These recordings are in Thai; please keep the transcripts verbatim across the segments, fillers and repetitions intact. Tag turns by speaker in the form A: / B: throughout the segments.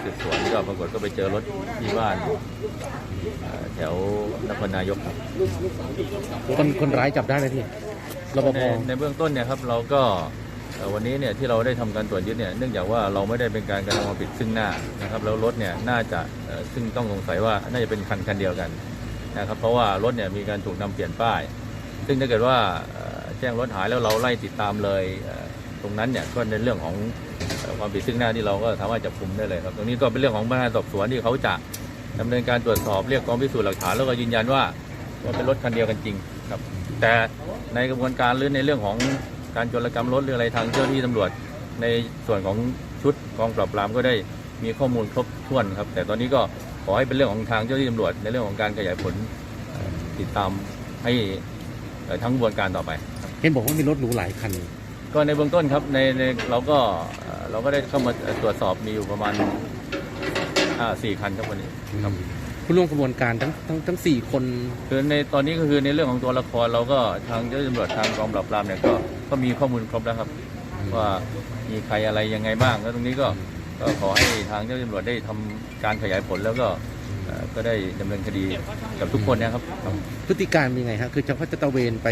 A: สืบสวนก็ปรากฏก็ไปเจอรถที่บ้านแถวนครนายกครับ
B: คนคนร้ายจับได้ไหมพี่รปภ
A: ในในเบื้องต้นเนี่ยครับเราก็วันนี้เนี่ยที่เราได้ทำการตรวจยึดเนี่ยเนื่องจากว่าเราไม่ได้เป็นการกระทำความผิดซึ่งหน้านะครับแล้วรถเนี่ยน่าจะซึ่งต้องสงสัยว่าน่าจะเป็นคันคันเดียวกันนะครับเพราะว่ารถเนี่ยมีการถูกนำเปลี่ยนป้ายซึ่งถ้าเกิดว่าแจ้งรถหายแล้วเราไล่ติดตามเลยตรงนั้นเนี่ยก็ในเรื่องของความผิดซึ่งหน้าที่เราก็สามารถจับกุมได้เลยครับตรงนี้ก็เป็นเรื่องของพนักงานสอบสวนที่เขาจะดำเนินการตรวจสอบเรียกกองพิสูจน์หลักฐานแล้วก็ยืนยันว่าว่าเป็นรถคันเดียวกันจริงครับแต่ในกระบวนการหรือในเรื่องของการโจรกรรมรถหรืออะไรทางเจ้าหน้าที่ตำรวจในส่วนของชุดกองปราบปรามก็ได้มีข้อมูลครบถ้วนครับแต่ตอนนี้ก็ขอให้เป็นเรื่องของทางเจ้าหน้าที่ตำรวจในเรื่องของการขยายผลติดตามให้ทั้งกระบวนการต่อไป
B: เห็นบอกว่ามีรถหรูหลายคัน
A: ก็ในเบื้องต้นครับในในเราก็เราก็ได้เข้ามาตรวจสอบมีอยู่ประมาณสี่คันครับวันนี้ครับ
B: ผู้ร่วมกระบวนการทั้งทั้งทั้งสี่คน
A: คือในตอนนี้ก็คือในเรื่องของตัวละครเราก็ทางเจ้าหน้าที่ตำรวจทางกองปราบปรามเนี่ยก็ก็มีข้อมูลครบแล้วครับว่ามีใครอะไรยังไงบ้างแล้วตรงนี้ก็ก็ขอให้ทางเจ้าหน้าที่ตำรวจได้ทำการขยายผลแล้วก็ก็ได้ดำเนินคดีกับทุกคนนะครับ
B: พฤติการเป็นยังไงฮะคือจะเขาจะตะเวนไป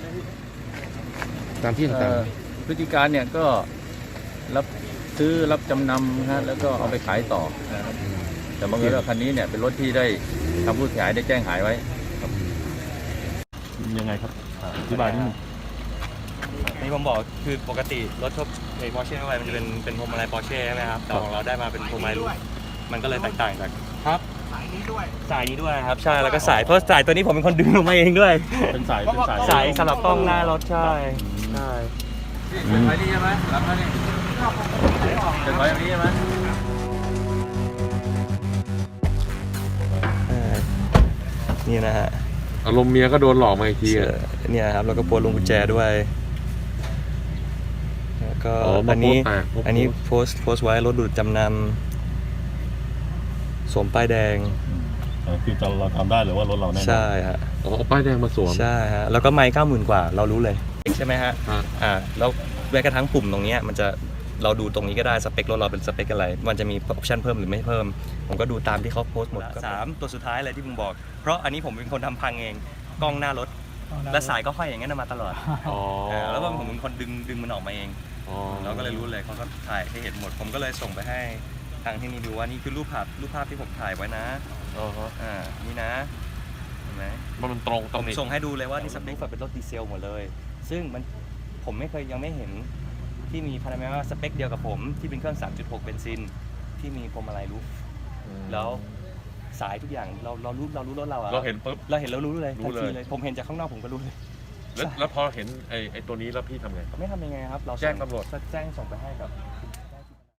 B: ตามที่ต่าง
A: ๆพฤติการเนี่ยก็รับซื้อรับจำนำฮะแล้วก็เอาไปขายต่อนะครับแต่บางทีว่าคันนี้เนี่ยเป็นรถที่ได้ทางผู้เสียหายได้แจ้งหายไว้ครับ
C: ยังไงครับอธิบายนิดนึง
D: นี่ผมบอกคือปกติรถทั่วไปปอร์เช่ทั่วไปมันจะเป็นเป็นพวงมาลัยปอร์เช่ใช่ไหมครับแต่ของเราได้มาเป็นพวงมาลัยลูกมันก็เลยแตกต่างจากครับสายนี้ด้วยสายนี้ด้วยครับใช่แล้วก็สายเพราะสายตัวนี้ผมเป็นคนดึงลงมาเองด้วย
C: เป็นสายเป็นสาย
D: สายสำหรับกล้องหน้ารถใช่ใช่
A: เป็นไฟนี่ใช่ไหมหลังนั่นนี่เป็นไฟแบบนี้ใช่ไหม
D: นี่นะฮะ
C: อารมณ์เมียก็โดนหลอกมาอีกที
D: เนี่ยครับแล้วก็ปวดลงกุญแจด้วยแล้วก็อันนี้อันนี้โพสต์โพสต์ไว้รถดูดจำนำสวมป้ายแดง
C: คือจะเราทำได้หรือว่ารถเราแน่
D: ใช่ฮะ
C: อ๋อป้ายแดงมาสวม
D: ใช่ฮะแล้วก็ไมค์เก้าหมื่นกว่าเรารู้เลยใช่ไหมฮะอ่าแล้วแม้กระทั่งปุ่มตรงนี้มันจะเราดูตรงนี้ก็ได้สเปครถเราเป็นสเปคอะไรมันจะมีออปชั่นเพิ่มหรือไม่เพิ่มผมก็ดูตามที่เขาโพสต์หมดสามตัวสุดท้ายเลยที่ผมบอกเพราะอันนี้ผมเป็นคนทำพังเองกล้องหน้ารถและสายก็ห้อยอย่างนั้นมาตลอดแล้วก็ผมเป็นคนดึงดึงมันออกมาเองเราก็เลยรู้เลยเขาก็ถ่ายให้เห็นหมดผมก็เลยส่งไปให้ทางที่นี่ดูว่านี่คือรูปภาพรูปภาพที่ผมถ่ายไว้นะอ่านี่นะเห็นไหม
C: มันตรงตรงนี้
D: ส่งให้ดูเลยว่านี่สเปคเป็นรถดีเซลหมดเลยซึ่งมันผมไม่เคยยังไม่เห็นที่มีพารามิว่าสเปคเดียวกับผมที่เป็นเครื่อง สามจุดหก เบนซินที่มีพวงมาลัยรูฟแล้วสายทุกอย่างเราเรารู้เรารู้รถเราอะ
C: เราเห็นปุ๊บ
D: เราเห็นเรารู้เลยทันทีเลยผมเห็นจากข้างนอกผมก็รู้เลย
C: แล้วพอเห็นไอ้ไอ้ตัวนี้แล้วพี่ทำไง
D: ไม่ทำยังไงครับเรา
C: แจ้งตำรวจ
D: แจ้งส่งไปให้กับ